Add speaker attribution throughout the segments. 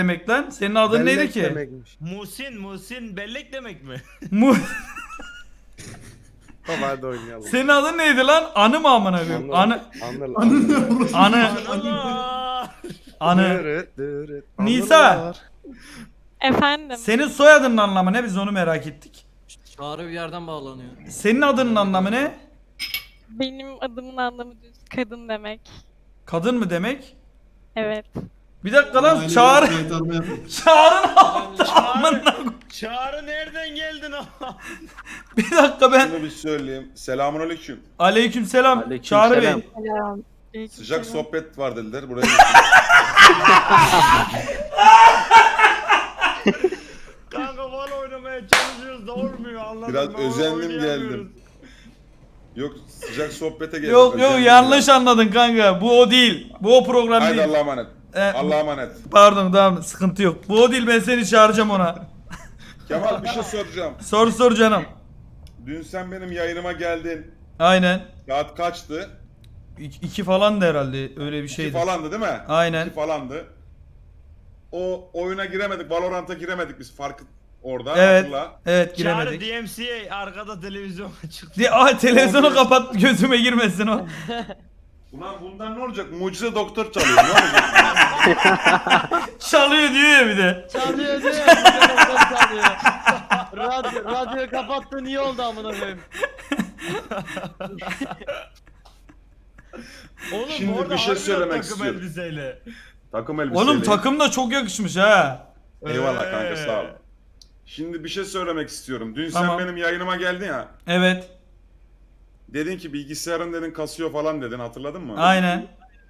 Speaker 1: demek lan? Senin adın neydi
Speaker 2: Bellek
Speaker 1: ki?
Speaker 2: demekmiş.
Speaker 3: Muhsin bellek demek mi?
Speaker 1: Mu
Speaker 2: Tamam hadi oynayalım.
Speaker 1: Senin adın neydi lan? Anı mı amına koyayım? Anı.
Speaker 2: Anıl.
Speaker 1: Anı.
Speaker 3: Allah!
Speaker 1: Anı.
Speaker 2: Dırıt dırıt.
Speaker 1: Nisa.
Speaker 2: Anılar.
Speaker 4: Efendim.
Speaker 1: Senin soyadının anlamı ne? Biz onu merak ettik.
Speaker 5: Çağrı bir yerden bağlanıyor.
Speaker 1: Senin adının anlamı ne?
Speaker 4: Benim adımın anlamı düz kadın demek.
Speaker 1: Kadın mı demek?
Speaker 4: Evet.
Speaker 1: Bir dakika lan
Speaker 6: Aynen,
Speaker 1: Çağrı.
Speaker 6: kayıtlarını yapın.
Speaker 1: Çağrı ne yaptı? Amına koyayım.
Speaker 3: Çağrı nereden geldin o?
Speaker 1: Bir dakika ben.
Speaker 7: Şunu bir söyleyeyim. Selamünaleyküm.
Speaker 1: Aleykümselam.
Speaker 8: Aleyküm
Speaker 1: Çağrı
Speaker 8: selam.
Speaker 1: Bey.
Speaker 4: Selam.
Speaker 7: Sıcak sohbet var dediler. Buraya
Speaker 3: Kanka bal oynamaya çalışıyoruz da olmuyor anladın
Speaker 7: biraz
Speaker 3: mı?
Speaker 7: özendim
Speaker 3: Oynayamıyoruz.
Speaker 7: geldim. Yok sıcak sohbete geldim.
Speaker 1: Yok yok
Speaker 7: özendim
Speaker 1: yanlış
Speaker 7: biraz.
Speaker 1: anladın kanka. Bu o değil. Bu o program
Speaker 7: Haydi
Speaker 1: değil.
Speaker 7: Allah'a emanet. Allah'a emanet.
Speaker 1: Pardon tamam sıkıntı yok. Bu o değil, ben seni çağıracağım ona.
Speaker 7: Kemal bir şey soracağım.
Speaker 1: Sor canım.
Speaker 7: Dün sen benim yayınıma geldin.
Speaker 1: Aynen.
Speaker 7: Saat kaçtı?
Speaker 1: İki falan da herhalde öyle bir
Speaker 7: İki
Speaker 1: şeydi.
Speaker 7: falandı değil mi?
Speaker 1: Aynen.
Speaker 7: 2 falandı. O oyuna giremedik. Valorant'a giremedik biz. Farkı orada.
Speaker 1: Evet.
Speaker 7: Hatırla.
Speaker 1: Evet
Speaker 3: Çağrı
Speaker 1: giremedik.
Speaker 3: DMCA arkada televizyona çıktı.
Speaker 1: Televizyonu
Speaker 7: Olmuyor.
Speaker 1: kapat, gözüme girmesin o.
Speaker 7: Ulan bundan ne olacak? Mucize doktor çalıyor. Ne olacak?
Speaker 1: Çalıyor diyor ya bir de.
Speaker 5: Çalıyor diyor ya. Telefon çalıyor. Radyo kapattın iyi oldu amına koyayım.
Speaker 3: Oğlum
Speaker 7: Şimdi
Speaker 3: orada
Speaker 7: bir şey
Speaker 3: harbiden
Speaker 7: söylemek
Speaker 3: takım
Speaker 7: istiyorum.
Speaker 3: elbiseyle.
Speaker 7: Takım elbiseyle.
Speaker 1: Oğlum takım da çok yakışmış ha.
Speaker 7: Eyvallah kanka sağ ol. Şimdi bir şey söylemek istiyorum. Dün
Speaker 1: Tamam.
Speaker 7: sen benim yayınıma geldin ya.
Speaker 1: Evet.
Speaker 7: Dedin ki bilgisayarın dedin kasıyor falan dedin, hatırladın mı?
Speaker 1: Aynen.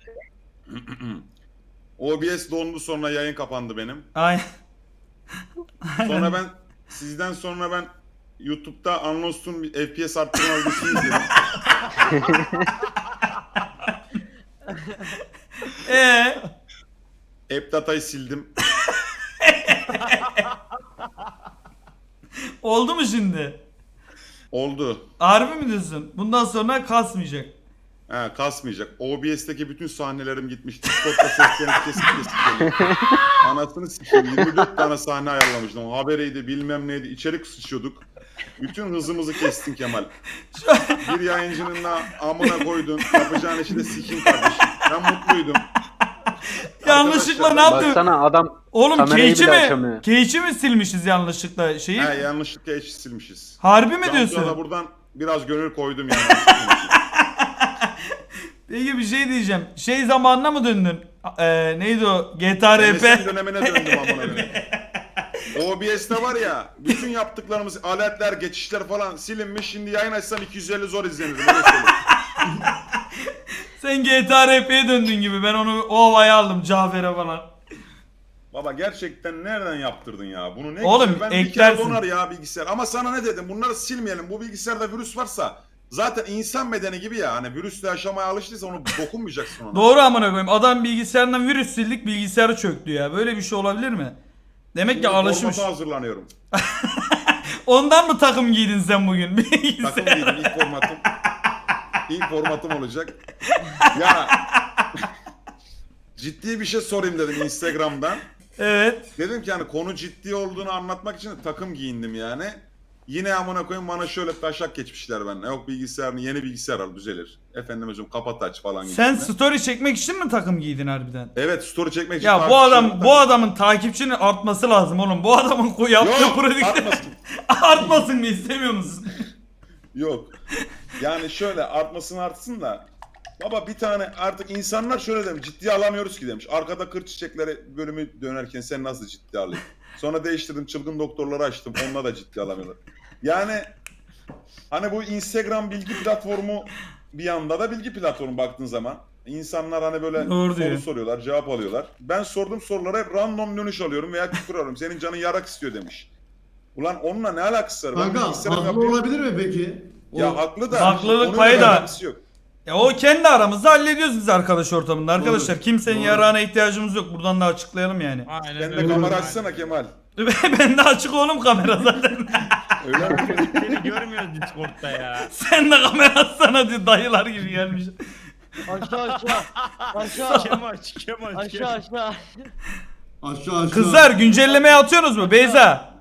Speaker 7: OBS dondu, sonra yayın kapandı benim.
Speaker 1: Aynen.
Speaker 7: Sonra ben sizden sonra ben YouTube'da Unlost'un bir FPS arttırma videosunu izledim. App datayı sildim.
Speaker 1: Oldu mu şimdi?
Speaker 7: Oldu.
Speaker 1: Harbi mi diyorsun? Bundan sonra kasmayacak.
Speaker 7: He, kasmayacak. OBS'teki bütün sahnelerim gitmiş. Discord'da seslerim kesik geliyor. Anasını sikeyim. 24 tane sahne ayarlamıştım. Haberiydi, bilmem neydi. İçerik sıçıyorduk. Bütün hızımızı kestin Kemal. Bir yayıncının da amına koydun. Yapacağın işi de sikeyim kardeşim. Ben mutluydum.
Speaker 1: Yanlışlıkla ne
Speaker 7: Arkadaşlar,
Speaker 1: yaptı?
Speaker 8: Baksana adam
Speaker 1: Oğlum
Speaker 8: kamerayı
Speaker 1: Cage'i
Speaker 8: bile
Speaker 1: mi?
Speaker 8: açamıyor.
Speaker 1: Cage'i mi silmişiz yanlışlıkla şeyi?
Speaker 7: He, yanlışlıkla eşi silmişiz.
Speaker 1: Harbi mi
Speaker 7: Cansu'ya da
Speaker 1: diyorsun?
Speaker 7: buradan biraz gönül koydum yani.
Speaker 1: Peki bir şey diyeceğim. Şey zamanına mı döndün? Neydi o? GTA
Speaker 7: MSN
Speaker 1: RP.
Speaker 7: dönemine döndüm amına koyayım. OBS'te var ya, bütün yaptıklarımız, aletler, geçişler falan silinmiş. Şimdi yayın açsam 250 zor izlenir. Öyle söyleyeyim.
Speaker 1: Sen GTA RP'ye döndün gibi. Ben onu o havaya aldım Cafer'e falan.
Speaker 7: Baba gerçekten nereden yaptırdın ya? Bunu ne
Speaker 1: Oğlum,
Speaker 7: güzel. Ben bir
Speaker 1: eklersin.
Speaker 7: kere donar ya bilgisayar. Ama sana ne dedim? Bunları silmeyelim. Bu bilgisayarda virüs varsa zaten insan bedeni gibi ya. Hani virüsle yaşamaya alıştıysa onu dokunmayacaksın ona.
Speaker 1: Doğru amına koyayım. Adam bilgisayarından virüs sildik, bilgisayarı çöktü ya. Böyle bir şey olabilir mi? Demek ki
Speaker 7: Şimdi
Speaker 1: alışmış.
Speaker 7: formata hazırlanıyorum.
Speaker 1: Ondan mı takım giydin sen bugün?
Speaker 7: Takım giydim, ilk formatım. İlk formatım olacak. Ya ciddi bir şey sorayım dedim Instagram'dan.
Speaker 1: Evet.
Speaker 7: Dedim ki hani konu ciddi olduğunu anlatmak için de takım giyindim yani. Yine amına koyayım bana şöyle taşak geçmişler benimle. Yok bilgisayarını, yeni bilgisayar al düzelir. Efendim hocam kapat aç falan gibi.
Speaker 1: Sen story çekmek için mi takım giydin harbiden?
Speaker 7: Evet, story çekmek için.
Speaker 1: Ya bu
Speaker 7: takipçilerim
Speaker 1: bu adamın takipçinin artması lazım oğlum. Bu adamın yaptığı
Speaker 7: Yok,
Speaker 1: prodükte
Speaker 7: artmasın.
Speaker 1: artmasın mı istemiyor musun?
Speaker 7: Yok. Yani şöyle artsın da. Baba bir tane artık insanlar şöyle demiş, ciddiye alamıyoruz ki demiş. Arkada kır çiçekleri bölümü dönerken sen nasıl ciddiye alayım? Sonra değiştirdim, çılgın doktorları açtım, onunla da ciddiye alamıyorlar. Yani hani bu Instagram bilgi platformu bir yanda da bilgi platformu baktığın zaman. İnsanlar hani böyle
Speaker 1: Doğru
Speaker 7: soru
Speaker 1: diyor.
Speaker 7: soruyorlar, cevap alıyorlar. Ben sorduğum sorulara hep random dönüş alıyorum veya küfür alıyorum. Senin canın yarak istiyor demiş. Ulan onunla ne alakası var? Ben
Speaker 6: Kanka
Speaker 7: bilgisayarım
Speaker 6: haklı
Speaker 7: yapıyorum.
Speaker 6: olabilir mi peki?
Speaker 7: Ya haklı da.
Speaker 1: Haklılık
Speaker 7: onunla
Speaker 1: payı da.
Speaker 7: alakası yok.
Speaker 1: Ya o kendi aramızda hallediyoruz biz arkadaş ortamında. Arkadaşlar
Speaker 6: Doğru,
Speaker 1: kimsenin
Speaker 6: doğru.
Speaker 1: yararına ihtiyacımız yok. Buradan da açıklayalım yani.
Speaker 3: Aynen
Speaker 7: Sen de
Speaker 3: öyle.
Speaker 7: kamera açsana Kemal.
Speaker 1: Ben de açık oğlum kamera zaten.
Speaker 7: Öyle mi?
Speaker 3: Seni görmüyoruz Discord'da ya.
Speaker 1: Sen de kamera açsana diyor, dayılar gibi gelmiş.
Speaker 5: Aşağı aşağı. Aşağı.
Speaker 3: Kemal.
Speaker 5: Aşağı aşağı.
Speaker 6: Aşağı.
Speaker 1: Kızlar güncellemeye atıyorsunuz mu Beyza?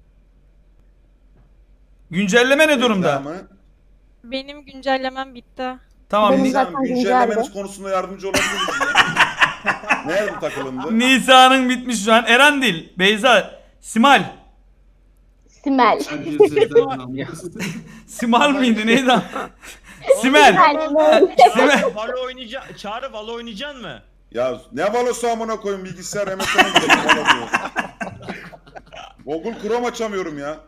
Speaker 1: Güncelleme ne durumda?
Speaker 7: Tamam.
Speaker 4: Benim güncellemem bitti.
Speaker 1: Tamam.
Speaker 8: Benim
Speaker 1: Ni-
Speaker 8: zaten
Speaker 7: Güncellemeniz
Speaker 8: güzeldi.
Speaker 7: konusunda yardımcı olabiliriz ya. Nerede takılındı?
Speaker 1: Nisa'nın bitmiş şu an. Eren değil. Beyza. Simal.
Speaker 8: Simel.
Speaker 1: Simal mıydı neydi? Simel.
Speaker 3: Çağrı Valo oynayacak. Çağrı Valo oynayacaksın mı?
Speaker 7: Ya ne Valo'su amına koyayım, bilgisayar MSN'e gidelim Valo diyor. Google Chrome açamıyorum ya.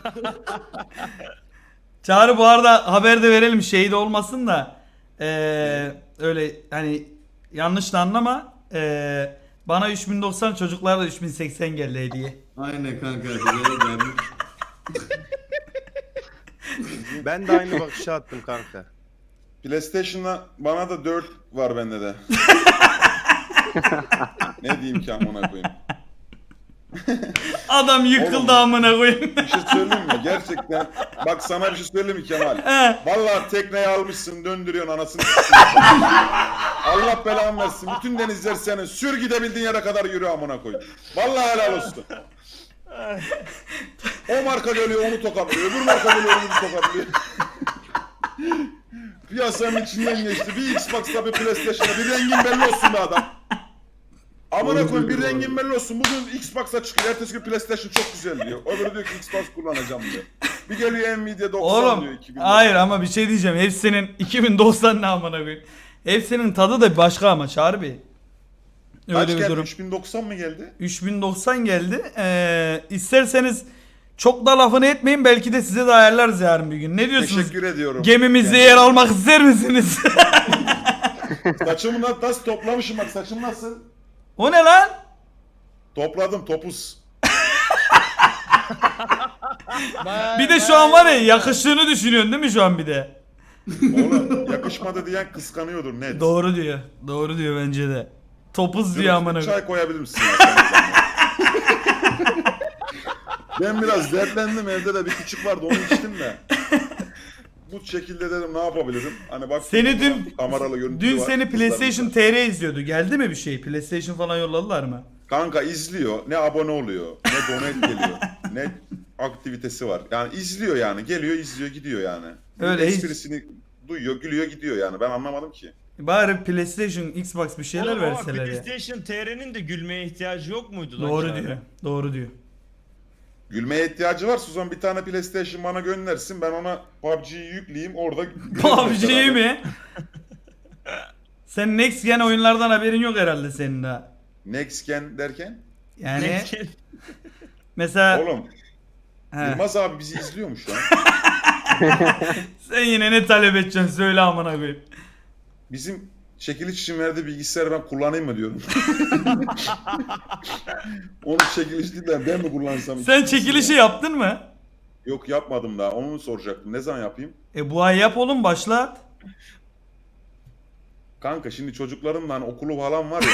Speaker 1: Çağrı bu arada haber de verelim şey de olmasın da öyle hani yanlış da anlama. Bana 3090 çocuklara da 3080 geldi hediye.
Speaker 6: Aynen kanka. Güzel gelmiş.
Speaker 2: Ben de aynı bakışı attım kanka.
Speaker 7: PlayStation'la bana da 4 var bende de. Ne diyeyim ki amına koyayım.
Speaker 1: Adam yıkıldı
Speaker 7: Oğlum.
Speaker 1: amına koyayım.
Speaker 7: Bir şey söyleyeyim mi? Gerçekten. Bak sana bir şey söyleyeyim mi Kemal?
Speaker 1: He.
Speaker 7: Vallahi tekneyi almışsın, döndürüyorsun anasını. s**eyim. Allah belanı versin. Bütün denizler senin. Sür gidebildiğin yere kadar yürü amına koyayım. Vallahi helal olsun. O marka geliyor onu tokatlıyor. Öbür marka geliyor onu tokatlıyor. Piyasanın içinden geçti. Bir Xbox'ta bir PlayStation'da bir rengin belli olsun be adam. Amına koyayım bir rengin belli olsun. Bugün Xbox'a çıkıyor. Ertesi gün PlayStation çok güzel diyor. Öbürü diyor ki Xbox kullanacağım diyor. Bir geliyor Nvidia 90
Speaker 1: Oğlum
Speaker 7: diyor. 2000.
Speaker 1: hayır ama bir şey diyeceğim. Hepsinin 2090 ne amına koyayım. Hepsinin tadı da başka ama Çağrı Bey. Öyle
Speaker 7: Kaç
Speaker 1: bir
Speaker 7: geldi?
Speaker 1: durum.
Speaker 7: 3090 mı geldi?
Speaker 1: 3090 geldi. İsterseniz çok da lafını etmeyin. Belki de size de ayarlarız yarın bir gün. Ne diyorsunuz?
Speaker 7: Teşekkür ediyorum.
Speaker 1: Gemimizde
Speaker 7: Yani
Speaker 1: yer almak ister misiniz?
Speaker 7: Saçımı nasıl toplamışım bak, saçım nasıl?
Speaker 1: O ne lan?
Speaker 7: Topladım topuz.
Speaker 1: Bir de şu an var ya yakıştığını düşünüyorsun değil mi şu an bir de?
Speaker 7: Oğlum yakışmadı diyen kıskanıyordur net.
Speaker 1: Doğru diyor. Doğru diyor bence de. Topuz diyor amına koyayım.
Speaker 7: Çay koyabilir misin? Ya, sen de? Ben biraz dertlendim, evde de bir küçük vardı onu içtim de. Bu şekilde dedim ne yapabilirim? Hani bak
Speaker 1: Seni dün
Speaker 7: kameralı görüntü
Speaker 1: Dün
Speaker 7: var,
Speaker 1: seni PlayStation
Speaker 7: kızlarımız var.
Speaker 1: TR izliyordu. Geldi mi bir şey? PlayStation falan yolladılar mı?
Speaker 7: Kanka izliyor, ne abone oluyor, ne donate geliyor, ne aktivitesi var. Yani izliyor yani, geliyor izliyor gidiyor yani.
Speaker 1: Öyle hiç-
Speaker 7: Esprisini duyuyor, gülüyor gidiyor yani. Ben anlamadım ki.
Speaker 1: Bari PlayStation, Xbox bir şeyler
Speaker 3: Oğlum ama
Speaker 1: verseler ya.
Speaker 3: PlayStation TR'nin de gülmeye ihtiyacı yok muydu lan
Speaker 1: Doğru
Speaker 3: Çağrı?
Speaker 1: diyor. Doğru diyor.
Speaker 7: Gülmeye ihtiyacı var. Suzan bir tane PlayStation bana göndersin. Ben ona PUBG'yi yükleyeyim orada.
Speaker 1: PUBG'yi mi? Sen Next Gen oyunlardan haberin yok herhalde senin daha.
Speaker 7: Next Gen derken?
Speaker 1: Yani mesela
Speaker 7: Oğlum
Speaker 1: he,
Speaker 7: Yılmaz abi bizi izliyor mu şu an?
Speaker 1: sen yine ne talep edeceksin söyle amına koyayım.
Speaker 7: Bizim çekiliş için verdiği bilgisayarı ben kullanayım mı diyorum. Onu çekiliş değil de ben mi kullansam?
Speaker 1: Sen çekilişi yaptın mı?
Speaker 7: Yok yapmadım daha. Onu mu soracaktım? Ne zaman yapayım?
Speaker 1: Bu ay yap oğlum başlat.
Speaker 7: Kanka şimdi çocuklarımla hani okulu falan var ya.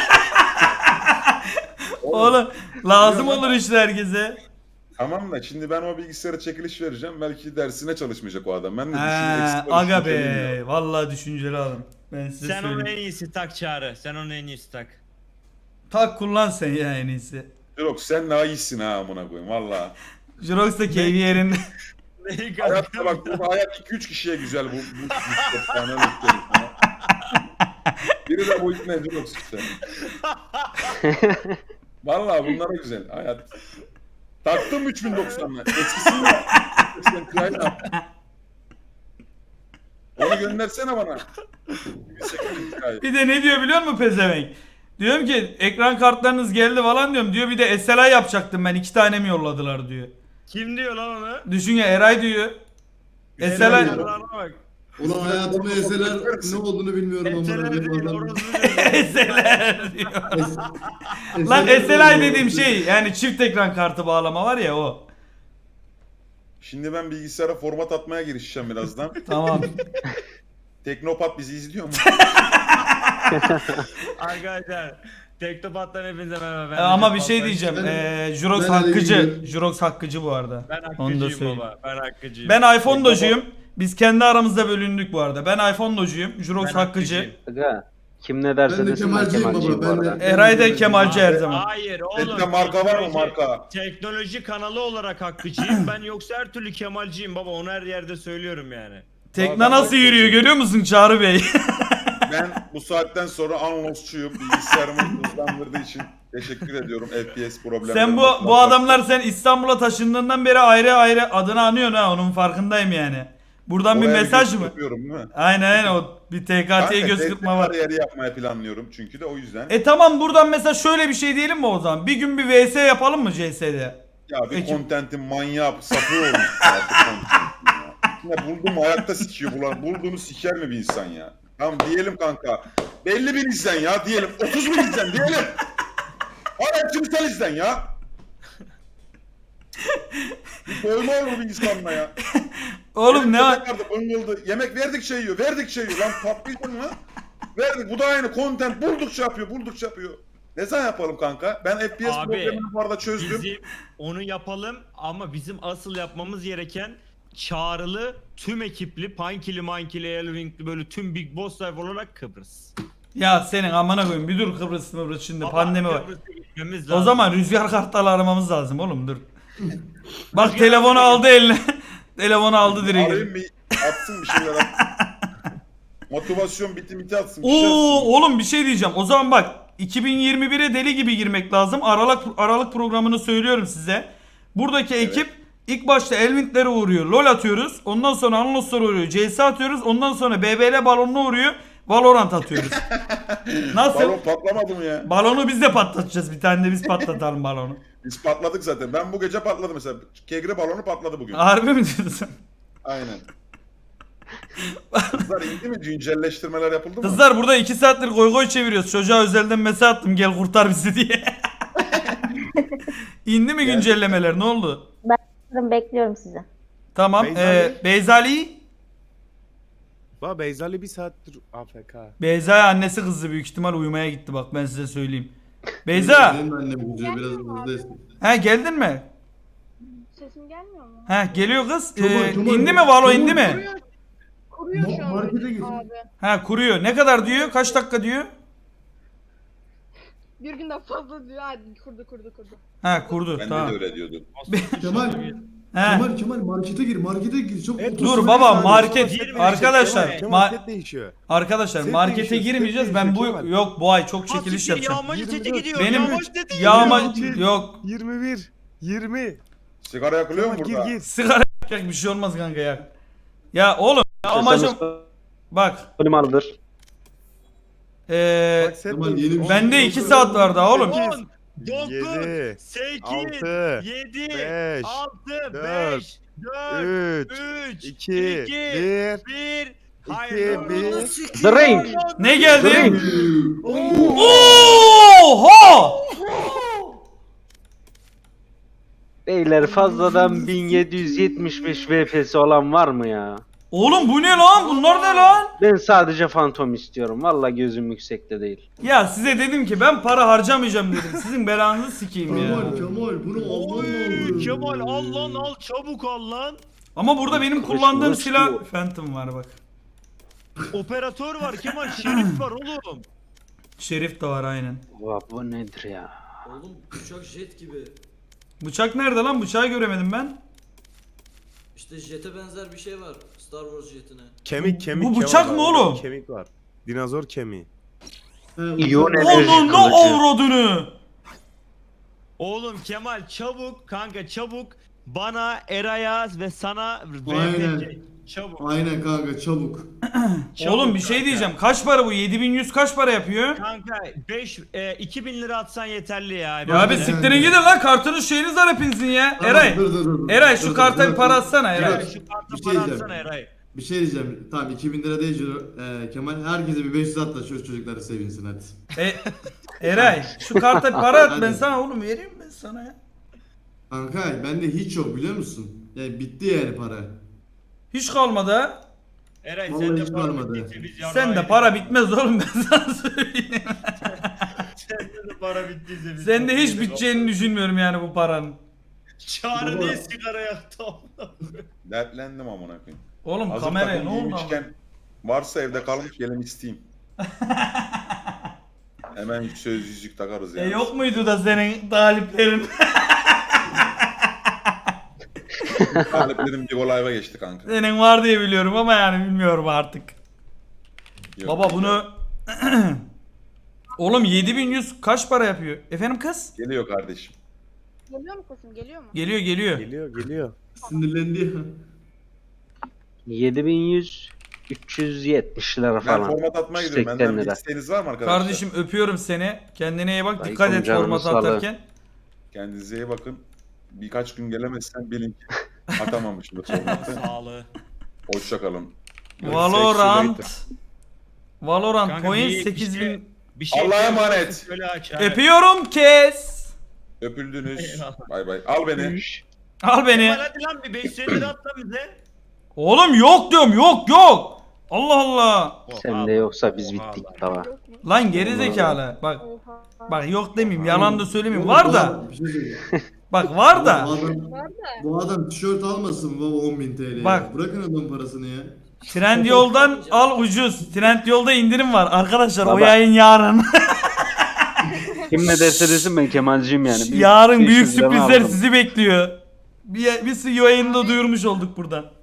Speaker 1: Oğlum lazım olur işte herkese.
Speaker 7: Tamam da şimdi ben o bilgisayara çekiliş vereceğim. Belki dersine çalışmayacak o adam. Ben de
Speaker 1: He,
Speaker 7: düşünüyorum. ekstra
Speaker 1: aga
Speaker 7: düşünceliyim ya.
Speaker 1: be. Vallahi düşünceli adam. Ben size
Speaker 3: Sen onu en
Speaker 1: söyleyeyim.
Speaker 3: iyisi tak Çağrı. Sen onu en iyisi tak.
Speaker 1: Tak kullan sen ya en iyisi.
Speaker 7: Yok sen daha iyisin ha amına koyayım valla.
Speaker 1: Jirox da keyfi yerinde.
Speaker 3: Neyi
Speaker 7: Hayatta bak bu hayat 2-3 kişiye güzel bu yani öyle söyleyeyim sana. Biri de bu ikna ediyor işte. Valla bunlara güzel hayat. Taktım 3090'la. Eskisini de. Eskiden kıyayla. Onu göndersene bana.
Speaker 1: Bir de ne diyor biliyor musun pezevenk? Diyorum ki ekran kartlarınız geldi falan diyorum. Diyor bir de SLI yapacaktım ben 2 tane mi yolladılar diyor.
Speaker 3: Kim diyor lan onu?
Speaker 1: Düşün ya Eray diyor. SLI
Speaker 3: Eserlerine bak.
Speaker 6: Ulan hayatımda eseler ne olduğunu bilmiyorum ama.
Speaker 3: Eserler değil, orospu diyor.
Speaker 1: SLI diyor. Lan SLI dediğim şey yani çift ekran kartı bağlama var ya o.
Speaker 7: Şimdi ben bilgisayara format atmaya girişeceğim birazdan.
Speaker 1: Tamam.
Speaker 7: Teknopat bizi izliyor mu?
Speaker 3: Arkadaşlar Teknopat'tan hepinize merhaba. Ben
Speaker 1: Ama bir
Speaker 3: Recep
Speaker 1: şey
Speaker 3: Baltaş.
Speaker 1: diyeceğim.
Speaker 6: Ben-
Speaker 1: Jirox
Speaker 6: ben
Speaker 1: hakkıcı.
Speaker 6: Ali'yim.
Speaker 1: Jirox hakkıcı bu arada.
Speaker 3: Ben
Speaker 1: Onu da
Speaker 3: hakkıcıyım
Speaker 1: söyleyeyim.
Speaker 3: baba. Ben hakkıcıyım.
Speaker 1: Ben iPhone docuyum. Biz kendi aramızda bölündük bu arada. Ben iPhone docuyum. Jirox
Speaker 3: Ben
Speaker 1: hakkıcı.
Speaker 3: hakkıcıyım.
Speaker 5: Aga
Speaker 9: Kim ne derse
Speaker 6: Ben de
Speaker 9: desin ben
Speaker 6: Kemalciyim
Speaker 9: Kemalciyim bu
Speaker 6: baba.
Speaker 9: arada.
Speaker 1: Eray da Kemalci her zaman.
Speaker 3: Hayır oğlum.
Speaker 7: Sende marka var mı marka?
Speaker 3: Teknoloji kanalı olarak hakkıcıyım. Ben yoksa her türlü Kemalciyim baba. Onu her yerde söylüyorum yani.
Speaker 1: Tekne nasıl yürüyor görüyor musun Çağrı Bey?
Speaker 7: Ben bu saatten sonra Unlost'çuyum. Bilgisayarımı hızlandırdığı için teşekkür ediyorum. FPS problemleri.
Speaker 1: Sen bu adamlar sen İstanbul'a taşındığından beri ayrı ayrı adını anıyorsun ha, onun farkındayım yani. Buradan bir mesaj mı?
Speaker 7: Yapıyorum değil mi?
Speaker 1: Aynen o bir TKT'ye göz kırpma var.
Speaker 7: Kariyeri yapmaya planlıyorum çünkü de o yüzden.
Speaker 1: Tamam, buradan mesela şöyle bir şey diyelim mi o zaman? Bir gün bir VS yapalım mı CS'de?
Speaker 7: Ya bir
Speaker 1: Ekip-
Speaker 7: kontentin manyağı sapı olmuş artık contentin ya. Ya buldum mu ayakta sikiyor bulan. Bulduğunu siker mi bir insan ya? Tamam diyelim kanka. Belli bir izlen ya diyelim. 30 bin izlen diyelim. Hala kimsel izlen ya. Bir doyma olur bir insanla ya.
Speaker 1: Oğlum ne var?
Speaker 7: Vardı, bıngıldı. Yemek verdikçe yiyor, verdikçe yiyor. Lan patlıydın mı? Verdik. Bu da aynı content buldukça yapıyor, buldukça yapıyor. Ne zaman yapalım kanka? Ben FPS
Speaker 3: Abi,
Speaker 7: problemini bu arada çözdüm.
Speaker 3: Bizim onu yapalım ama bizim asıl yapmamız gereken çağrılı, tüm ekipli, Pankili, Mankili, Elvinkli böyle tüm Big Boss Life olarak Kıbrıs.
Speaker 1: Ya senin amına koyayım, bir dur Kıbrıs şimdi
Speaker 3: Baba,
Speaker 1: pandemi var.
Speaker 3: Kıbrıs'a gitmemiz
Speaker 1: O
Speaker 3: lazım.
Speaker 1: zaman rüzgar kartları aramamız lazım oğlum, dur. Bak telefonu aldı eline. Telefonu aldı direkt.
Speaker 7: Arayayım bir atsın bir şeyler atsın. Motivasyon biti atsın. Bir
Speaker 1: Oo
Speaker 7: şey atsın.
Speaker 1: oğlum bir şey diyeceğim. O zaman bak 2021'e deli gibi girmek lazım. Aralık programını söylüyorum size. Buradaki ekip ilk başta Elvint'lere uğruyor. LoL atıyoruz. Ondan sonra Anlos'lara uğruyor. CS atıyoruz. Ondan sonra BBL balonuna uğruyor. Valorant atıyoruz. Nasıl?
Speaker 7: Balon patlamadı mı ya?
Speaker 1: Balonu biz de patlatacağız. Bir tane de biz patlatalım balonu.
Speaker 7: Biz patladık zaten. Ben bu gece patladım mesela. Kegri balonu patladı bugün.
Speaker 1: Harbi mi diyorsun?
Speaker 7: Aynen. Kızlar indi mi? Güncelleştirmeler yapıldı mı?
Speaker 1: Kızlar burada 2 saattir goy goy çeviriyoruz. Çocuğa özelden mesaj attım, gel kurtar bizi diye. İndi mi güncellemeler, ne oldu?
Speaker 8: Bekliyorum sizi.
Speaker 1: Tamam.
Speaker 2: Beyzali.
Speaker 1: Beyzali.
Speaker 2: Baba Beyzali bir saattir AFK.
Speaker 1: Beyza annesi kızdı, büyük ihtimal uyumaya gitti, bak ben size söyleyeyim. Beyza.
Speaker 6: Benim annem güzel biraz hızlı esnek.
Speaker 1: He geldin mi?
Speaker 8: Sesim gelmiyor mu?
Speaker 1: He geliyor kız.
Speaker 6: Kemal,
Speaker 1: İndi mi Valo, indi mi?
Speaker 8: Kuruyor şu an
Speaker 6: Markete git.
Speaker 8: abi.
Speaker 1: He kuruyor. Ne kadar diyor? Kaç dakika diyor?
Speaker 8: Bir günden fazla diyor. Hadi kurdu.
Speaker 1: He kurdu.
Speaker 7: Ben
Speaker 1: Tamam.
Speaker 7: de öyle diyordum.
Speaker 6: Kemal.
Speaker 1: He.
Speaker 6: Kemal markete gir. Çok
Speaker 1: Dur baba, market
Speaker 3: Girme,
Speaker 1: arkadaşlar.
Speaker 2: Kemal set değişiyor.
Speaker 1: Arkadaşlar
Speaker 2: Set
Speaker 1: markete
Speaker 2: değişiyor, set
Speaker 1: girmeyeceğiz. Ben
Speaker 2: değişiyor
Speaker 1: bu
Speaker 2: Kemal.
Speaker 1: yok bu ay çok çekiliş yapacağım.
Speaker 3: Yağmacı seti
Speaker 2: 24.
Speaker 3: gidiyor.
Speaker 1: Benim
Speaker 3: Yağmacı seti
Speaker 1: yağma
Speaker 3: gidiyor.
Speaker 1: yok.
Speaker 2: 21. 20.
Speaker 7: Sigara yakılıyor mu
Speaker 2: Kemal
Speaker 7: burada?
Speaker 2: gir.
Speaker 1: Sigara yakacak bir şey olmaz kanka ya. Ya oğlum ya amacım bak.
Speaker 9: Klimalıdır.
Speaker 2: Bak set
Speaker 6: Kemal,
Speaker 2: değişiyor.
Speaker 6: yeni bir
Speaker 1: Bende
Speaker 6: şey
Speaker 1: 2
Speaker 6: yok.
Speaker 1: saat var daha oğlum.
Speaker 3: 10, 9,
Speaker 2: 7,
Speaker 3: 8,
Speaker 2: 6,
Speaker 3: 7,
Speaker 2: 5,
Speaker 3: 6,
Speaker 2: 4,
Speaker 3: 5, 4,
Speaker 2: 3,
Speaker 3: 3,
Speaker 2: 2,
Speaker 3: 1,
Speaker 2: 1.
Speaker 3: 1. Hayır.
Speaker 2: 1.
Speaker 9: The Ring.
Speaker 1: Ne geldi?
Speaker 9: Ring.
Speaker 1: Oha!
Speaker 9: Beyler fazladan 1775 VPS olan var mı ya?
Speaker 1: Oğlum bu ne lan? Bunlar ne lan?
Speaker 9: Ben sadece fantom istiyorum. Vallahi gözüm yüksekte değil.
Speaker 1: Ya size dedim ki ben para harcamayacağım dedim. Sizin belanızı sikeyim ya.
Speaker 6: Kemal bunu alman
Speaker 3: Oy,
Speaker 6: lazım.
Speaker 3: Kemal al lan al çabuk al lan.
Speaker 1: Ama burada benim kullandığım
Speaker 9: Kılıç
Speaker 1: silah
Speaker 9: bu.
Speaker 1: Phantom var bak.
Speaker 3: Operatör var Kemal, şerif var oğlum.
Speaker 1: Şerif de var aynen.
Speaker 9: Bu nedir ya?
Speaker 10: Oğlum bıçak jet gibi.
Speaker 1: Bıçak nerede lan? Bıçağı göremedim ben.
Speaker 10: İşte jete benzer bir şey var. Star Wars jetine.
Speaker 2: Kemik.
Speaker 1: Bu bıçak
Speaker 2: Kemal
Speaker 1: mı
Speaker 2: var.
Speaker 1: oğlum?
Speaker 2: Kemik var. Dinozor kemiği.
Speaker 9: İyon enerji
Speaker 1: Onun ne
Speaker 9: kılıcı.
Speaker 1: avradını?
Speaker 3: Oğlum Kemal çabuk kanka çabuk bana Eray'a ve sana
Speaker 6: Aynen.
Speaker 3: VPC çabuk.
Speaker 6: Aynen kanka çabuk.
Speaker 3: Çabuk
Speaker 1: Oğlum bir şey
Speaker 3: kanka.
Speaker 1: diyeceğim. Kaç para bu? 7100 kaç para yapıyor?
Speaker 3: Kanka 2000 lira atsan yeterli ya.
Speaker 1: Ya abi
Speaker 6: Ben-
Speaker 1: siktirin gidin lan, kartınız şeyiniz var hepinizin ya. Eray.
Speaker 6: Dur.
Speaker 1: Eray şu karta bir para atsana Eray.
Speaker 3: Eray şu kartı
Speaker 6: Bir şey
Speaker 3: para
Speaker 6: diyeceğim.
Speaker 3: atsana Eray.
Speaker 6: Bir şey diyeceğim. Tamam 2000 lira değil Kemal. Herkese bir 500 at da şu çocukları sevinsin hadi.
Speaker 1: Eray şu karta bir para at, ben
Speaker 6: Hadi.
Speaker 1: sana oğlum vereyim ben sana ya.
Speaker 6: Kanka bende hiç yok biliyor musun? Yani bitti yani para.
Speaker 1: Hiç kalmadı ha.
Speaker 3: Eray
Speaker 6: Vallahi
Speaker 3: sen de
Speaker 6: hiç
Speaker 3: para
Speaker 6: varmadı.
Speaker 3: bittiyse biz yarrağı
Speaker 1: Sen de
Speaker 3: yedik.
Speaker 1: para bitmez oğlum, ben sana söyleyeyim.
Speaker 3: Sende de para bittiyse biz.
Speaker 1: Sen de hiç
Speaker 3: yedik.
Speaker 1: biteceğini düşünmüyorum yani bu paranın.
Speaker 3: Çağrı
Speaker 6: Baba.
Speaker 3: diye sigara yaktı.
Speaker 7: Dertlendim amına koyayım.
Speaker 1: Oğlum
Speaker 7: Hazır
Speaker 1: kameraya
Speaker 7: takım
Speaker 1: ne oldu?
Speaker 7: giymişken varsa evde kalmış gelin isteyeyim. Hemen söz yüzük takarız yani.
Speaker 1: Yok muydu da senin taliplerin?
Speaker 7: Taliplerim bir live'a geçti kanka.
Speaker 1: Senin var diye biliyorum ama yani bilmiyorum artık.
Speaker 7: Yok,
Speaker 1: Baba
Speaker 7: yok.
Speaker 1: bunu... Oğlum 7100 kaç para yapıyor? Efendim kız?
Speaker 7: Geliyor kardeşim.
Speaker 8: Geliyor mu kızım? Geliyor mu?
Speaker 1: Geliyor geliyor.
Speaker 2: Geliyor.
Speaker 6: Sinirlendi ya.
Speaker 9: 7100 370 lira
Speaker 7: Ben
Speaker 9: falan.
Speaker 7: format atmaya gidiyorum.
Speaker 9: 180
Speaker 7: Benden bir
Speaker 9: lira.
Speaker 7: isteğiniz var mı arkadaşlar?
Speaker 1: Kardeşim öpüyorum seni. Kendine iyi bak.
Speaker 9: Aleyküm
Speaker 1: Dikkat et
Speaker 9: canım,
Speaker 1: formatı
Speaker 9: sağ ol.
Speaker 1: atarken.
Speaker 7: Kendinize iyi bakın. Birkaç gün gelemezsen bilin ki atamamışım formatı.
Speaker 3: Sağlığı.
Speaker 7: Hoşçakalın.
Speaker 1: Valorant. Valorant
Speaker 3: Kanka
Speaker 1: point
Speaker 3: bir
Speaker 1: 8000.
Speaker 7: Allah'a emanet.
Speaker 3: Şöyle aç. abi.
Speaker 1: Öpüyorum kes.
Speaker 7: Öpüldünüz.
Speaker 3: Eyvallah.
Speaker 7: Bay bay. Al beni.
Speaker 1: Al beni.
Speaker 3: Kemal hadi lan bir 550 lira at lan bize.
Speaker 1: Oğlum yok diyorum yok. Allah Allah.
Speaker 9: Sende yoksa biz bittik baba.
Speaker 8: Yok mu?
Speaker 1: Lan geri zekalı. Bak
Speaker 8: Oha.
Speaker 1: bak yok demeyeyim. Yalan da söylemeyeyim.
Speaker 6: Oğlum,
Speaker 1: Var
Speaker 6: bu
Speaker 1: da.
Speaker 6: adam- Bir şey söyleyeyim.
Speaker 1: Bak var
Speaker 6: Bu
Speaker 1: da.
Speaker 6: adam,
Speaker 8: Var da.
Speaker 6: bu adam tişört almasın baba 10.000 TL.
Speaker 1: Bak.
Speaker 6: Bırakın adamın parasını ya.
Speaker 1: Trendyol'dan al ucuz. Trendyol'da indirim var. Arkadaşlar o
Speaker 9: Baba.
Speaker 1: yayın yarın.
Speaker 9: Kim ne derse desin ben Kemalciyim yani. Bir
Speaker 1: Yarın büyük
Speaker 9: 500 liramı
Speaker 1: sürprizler
Speaker 9: aldım.
Speaker 1: sizi bekliyor. Bir yayında duyurmuş olduk buradan.